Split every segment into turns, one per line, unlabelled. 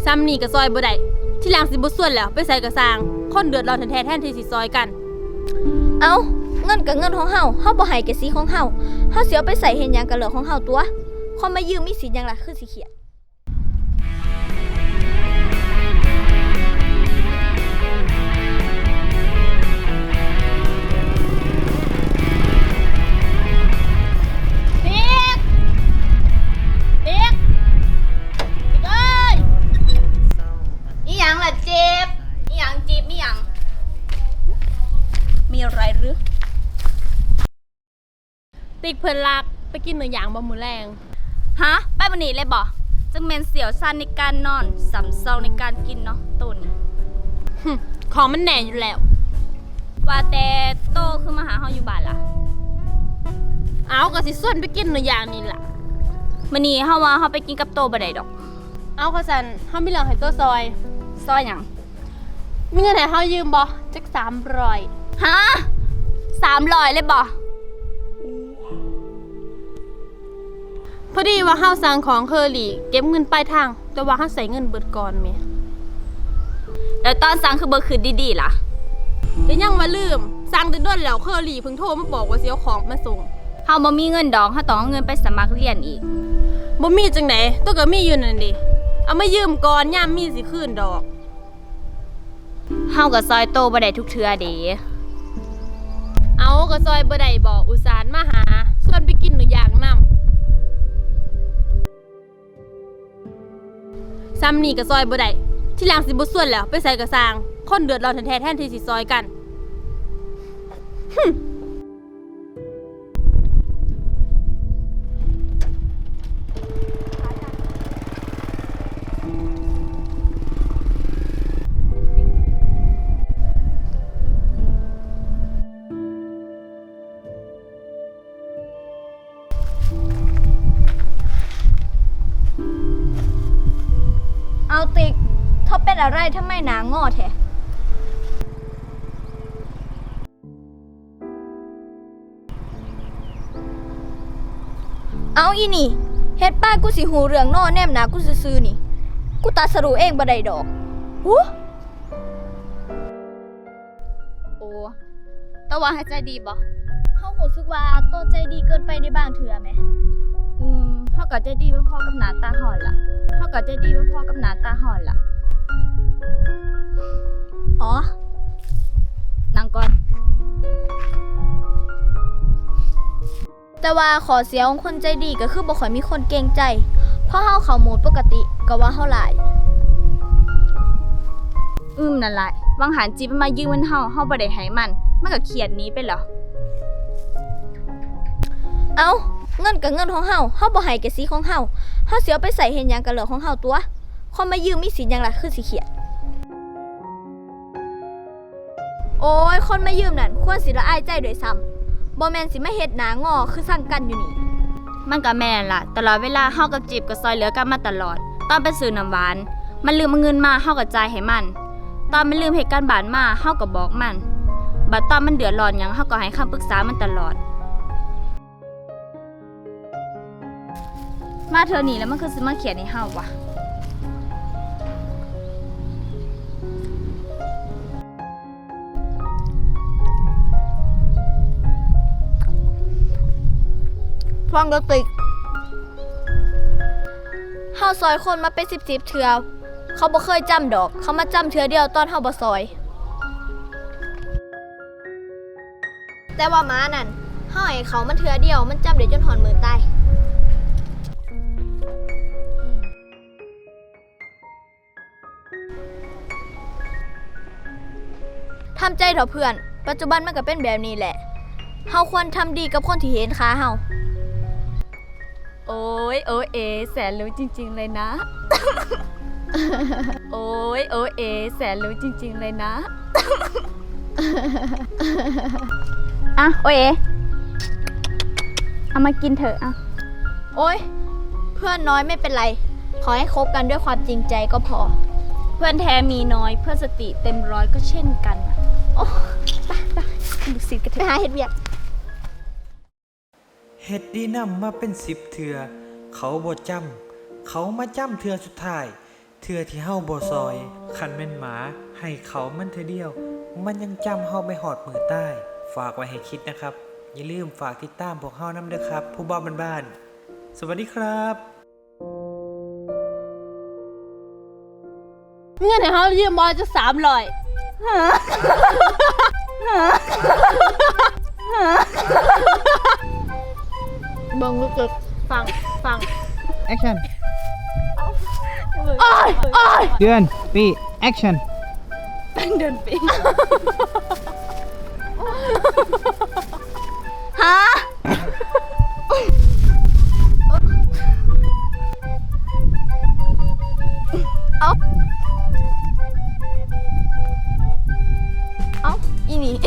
ซ้ำนี่ก็ซอยบ่ได้ที่หลังสิบ่ส่วนแล้วไปใส่กระสร้างคนเดือดร้อนแท้ๆแทนที่สิซอยกัน
เอาเงินกับเงินของเฮาบ่ให้แก่สิของเฮาสิเอาไปใส่เฮ็ดหยังกับเหลือของเฮาตัวคนมายืมมีสิทธิ์หยังล่ะคือสิเขียดมีอะไรหรือ
ติ๊กเพิ่นรักไปกินเนื้อย่างบ่มื้อแรง
ฮะไปบันนี้เลยบ่จังแม่นเสียวสั้นในการนอนสำเซาในการกินเนาะโตนี่
ของมันแน่อยู่แล้ว
ว่าแต่โตคือมาหาเฮาอยู่บ้านล่ะ
เอาก็สิส่วนไปกินเนื้อย่างนี่ล่ะ
มื้อนี้เฮาว่าเฮาไปกินกับโตบ่ได้ดอก
เอาเขาซั่นเฮามีเรื่องให้โตซอย
หยัง
มีเงินให้เฮายืมบ่จัก300
ฮะ300เลยบ่
พอดีว่าเฮาสั่งของเคอรี่เก็บเงินปลายทางแต่ว่าเฮาใส่เงินเบิดก่อนแม่
แล้วตอนสั่งคือบ่คืนดีๆล่ะ
ก็ยังว่าลืมสั่งแต่ด้นแล้วเคอรี่เพิ่งโทรมาบอกว่าสิเอาของมาส่ง
เฮาบ่มีเงินดอกเฮาต้องเอาเงินไปสมัครเรียนอีก
บ่มีจังได๋ตัวก็มีอยู่นั่นดิเอามายืมก่อนยามมีสิคืนดอก
เฮาก็ซอยโตบ่ได้ทุกเทื่อเด้
เอาก็ซอยบ่ได้บ่อุตส่าห์มาหาส่วนไปกินเนื้อย่างนำซ้ำนี่ก็ซอยบ่ได้ที่หลังสิบ่ส่วนแล้วไปใส่กระสร้างคนเดือดร้อนแท้ๆแทนที่สิซอยกัน
เอาติ๊กเขาเป็นอะไรทำไมหนางอแท้เอาอีนี่เฮ็ดป้ากูสิหูเรื่องนอแนมหนากูซื่อๆนี่กูตัดสรุเองบ่ได้ดอกหูโอ้แต่ว่าให้ใจดีบ่เฮารู้สึกว่าโตใจดีเกินไปในบางเทื่อแหมเฮาก็ใจดีพอๆกับหน้าตาฮ้อนล่ะอ๋อนั่งก่อนแต่ว่าขอเสียของคนใจดีก็คือบ่ค่อยมีคนเกรงใจเพราะเฮาเข้าโหมดปกติก็ว่าเฮาหลายนั่นแหละวังหันจีบมันมายืมเงินเฮาบ่ได้ให้มันก็เครียดหนีไปเหรอเอาเงินกับเงินของเฮาบ่ให้แก่สิของเฮาสิเอาไปใส่เฮ็ดหยังกับเหลือของเฮาตัวคนมายืมมีสิทธิ์หยังล่ะคือสิเขียดโอ้ยคนมายืมนั่นควรสิละอายใจด้วยซ้ำบ่แม่นสิมาเฮ็ดหน้างอคือสั่งกันอยู่นี่มันก็แม่นล่ะตลอดเวลาเฮากับจีบก็ซอยเหลือกันมาตลอดตอนไปซื้อน้ำหวานมันลืมเอาเงินมาเฮาก็จ่ายให้มันตอนมันลืมเฮ็ดการบ้านมาเฮาก็บอกมันบัดตอนมันเดือดร้อนหยังเฮาก็ให้คำปรึกษามันตลอดมาเธอนี่แล้วมันคือสิมาเขียนให้เฮาวะฟังกระติกเฮาซอยคนมาเป็น10เทื่อเขาบ่เคยจำดอกเขามาจำเทื่อเดียวตอนเฮาบ่ซอยแต่ว่าม้านั่นเฮาให้เขามันเทื่อเดียวมันจำได้จนหอนมือตายทำใจเถอะเพื่อนปัจจุบันมันก็เป็นแบบนี้แหละเฮาควรทำดีกับคนที่เห็นค่าเฮาโอ้ยแสนรู้จริงๆเลยนะ โอ้ยแสนรู้จริงๆเลยนะ อ่ะโอ้ยเอามากินเถอะอ่ะโอ้ยเพื่อนน้อยไม่เป็นไรขอให้คบกันด้วยความจริงใจก็พอเพื่อนแท้มีน้อยเพื่อนสติเต็มร้อยก็เช่นกันโอ้ไปลูกศิษย์กันเถอะไปหาเฮ็ดเวียก
เฮ็ดดีนำมาเป็น10 เทื่อเขาบ่จำเขามาจำเทื่อสุดท้ายเทื่อที่เฮาบ่ซอยคันแม่นหมาให้เขามันเทื่อเดียว มันยังจำเฮาไปหอดมือใต้ ฝากไว้ให้คิดนะครับ อย่าลืมฝากติดตามพวกเฮานำเด้อครับ ผู้บ่าวบ้านๆสวัสดีครับ
เงินให้เฮายืมบ่จะ300บังลูกเกิกฟัง
แอคชั่น
อ้ายอ้าย
เดือนปีแอคชั่น
เดินไปฮะเอาเอาอีนี่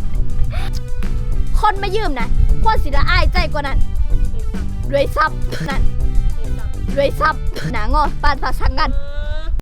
คนมายืมนะควรสิละอายใจกว่านั้นรวยซับนั่นรวยซับหนางอปานผักสังกัน